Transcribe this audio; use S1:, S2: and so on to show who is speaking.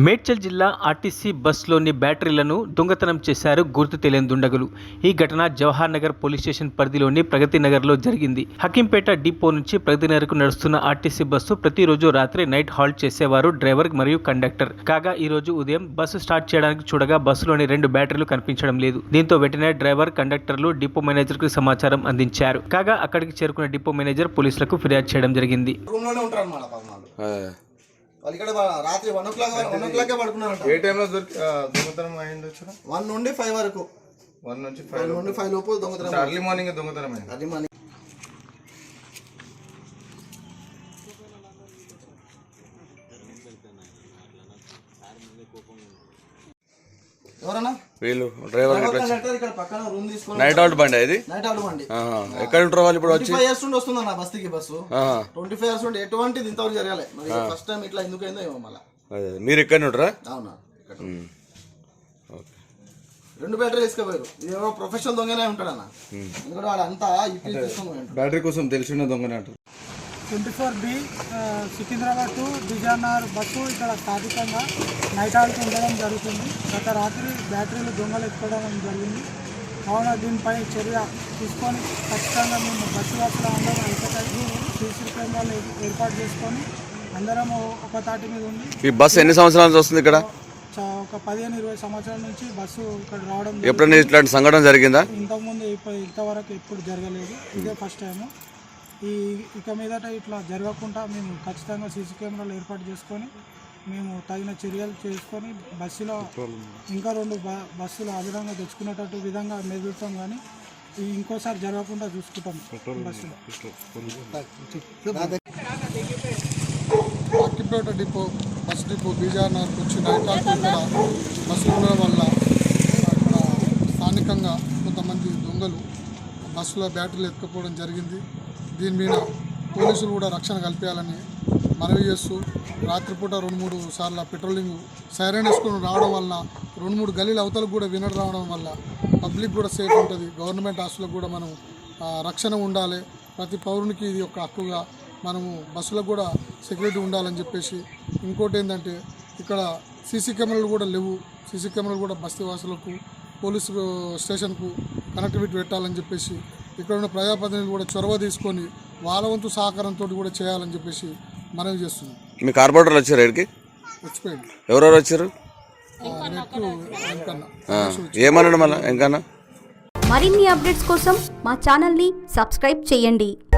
S1: మేడ్చల్ జిల్లా ఆర్టీసీ బస్సులోని బ్యాటరీలను దొంగతనం చేశారు గుర్తు తెలియని దుండగులు. ఈ ఘటన జవహర్ నగర్ పోలీస్ స్టేషన్ పరిధిలోని ప్రగతి నగర్లో జరిగింది. హకీంపేట డిపో నుంచి ప్రగతి నగర్కు నడుస్తున్న ఆర్టీసీ బస్సు ప్రతిరోజు రాత్రి నైట్ హాల్ట్ చేసేవారు డ్రైవర్ మరియు కండక్టర్. కాగా ఈ రోజు ఉదయం బస్సు స్టార్ట్ చేయడానికి చూడగా బస్సులోని 2 బ్యాటరీలు కనిపించడం లేదు. దీంతో వెంటనే డ్రైవర్, కండక్టర్లు డిపో మేనేజర్ కు సమాచారం అందించారు. కాగా అక్కడికి చేరుకున్న డిపో మేనేజర్ పోలీసులకు ఫిర్యాదు చేయడం జరిగింది.
S2: వాళ్ళు ఇక్కడ రాత్రి 1 o'clock పడుకున్నారంట.
S3: ఏ టైంలో దొంగతనం అయింది?
S2: 1 నుండి 5 వరకు.
S3: 1 నుంచి 5
S2: లోపు దొంగతనం.
S3: అర్లీ మార్నింగ్ దొంగతనం అయింది.
S2: Early morning. ఎవరన్నా
S4: వీళ్ళు డ్రైవర్
S2: ఇక్కడ పక్కన రూమ్ తీసుకొని
S4: నైట్ అవుట్ బండి ఇది.
S2: నైట్ అవుట్ బండి
S4: ఎక్కడ ఉంటారు వాళ్ళు? ఇప్పుడు వచ్చి
S2: 25 years నుండి వస్తుందన్న బస్సుకి. బస్సు 25 years నుండి ఎటువంటిది ఇంతవరకు జరగాలి. మరి ఫస్ట్ టైం ఇట్లా ఎందుకు అయిందో ఏమో. మళ్ళీ
S4: మీరు ఎక్కడ ఉంటారా?
S2: అవునా. 2 బ్యాటరీ తీసుకుపోయారు. ఏమో ప్రొఫెషనల్ దొంగనే ఉంటాడన్న. ఎందుకంటే వాళ్ళు అంతా
S3: బ్యాటరీ కోసం తెలిసిన దొంగనే అంటారు.
S5: 24B సికింద్రాబాద్ టు బిజార్నగర్ బస్సు ఇక్కడ స్థానికంగా నైట్ హాల్ట్ ఉండడం జరుగుతుంది. గత రాత్రి బ్యాటరీలు దొంగలు ఎత్తుకోవడం జరిగింది. కావున దీనిపై చర్య తీసుకొని ఖచ్చితంగా మేము బస్సు వాసులు అందరం ఐక్యతై సీసీ కెమెరాలు ఏర్పాటు చేసుకొని అందరము ఒక తాటి మీద ఉండి.
S4: ఈ బస్సు ఎన్ని సంవత్సరాల నుంచి వస్తుంది ఇక్కడ?
S5: ఒక 15-20 సంవత్సరాల నుంచి బస్సు ఇక్కడ రావడం.
S4: ఎప్పుడైనా ఇట్లాంటి సంఘటన జరిగిందా?
S5: ఇంతకుముందు ఇంతవరకు ఎప్పుడు జరగలేదు. ఇదే ఫస్ట్ టైము. ఇక మీదట ఇట్లా జరగకుండా మేము ఖచ్చితంగా సీసీ కెమెరాలు ఏర్పాటు చేసుకొని మేము తగిన చర్యలు చేసుకొని బస్సులో ఇంకా 2 బస్సులు అదనంగా తెచ్చుకునేటట్టు విధంగా మెదులుతాం. కానీ ఇంకోసారి జరగకుండా చూసుకుంటాం. బస్సులో
S6: హకీంపేట డిపో బస్ డిపో బిజార్నగర్కి వచ్చి నైట్ హాల్ట్ ఇక్కడ బస్సులు ఉండడం వల్ల అక్కడ స్థానికంగా కొంతమంది దొంగలు బస్సులో బ్యాటరీలు ఎత్తుకుపోవడం జరిగింది. దీని మీద పోలీసులు కూడా రక్షణ కల్పించాలని మనవి చేస్తూ రాత్రిపూట 2-3 సార్లు పెట్రోలింగ్ సైరన్ వేసుకొని రావడం వలన 2-3 గలీల అవతలకు కూడా వినడం రావడం వల్ల పబ్లిక్ కూడా సేఫ్ ఉంటుంది. గవర్నమెంట్ హాస్టల్కి కూడా మనం రక్షణ ఉండాలి. ప్రతి పౌరునికి ఇది ఒక హక్కుగా మనము బస్సులకు కూడా సెక్యూరిటీ ఉండాలని చెప్పేసి. ఇంకోటి ఏంటంటే ఇక్కడ సీసీ కెమెరాలు కూడా లేవు. సీసీ కెమెరాలు కూడా బస్తీ వాసులకు పోలీసు స్టేషన్కు కనెక్టివిటీ పెట్టాలని చెప్పేసి ఇక్కడ ఉన్న ప్రజాప్రతినిధులు కూడా చొరవ తీసుకొని వాళ్ళ వంతు సహకారంతో కూడా చేయాలని చెప్పేసి మనవి చేస్తున్నాం.
S4: మీ కార్పొరేటర్లు వచ్చారు ఇక్కడికి?
S6: వచ్చిపోయింది.
S4: ఎవరెవరు వచ్చారు? ఏమన్నాడు మళ్ళీ? ఇంకన్నా
S7: మరిన్ని అప్డేట్స్ కోసం మా ఛానల్ని సబ్స్క్రైబ్ చేయండి.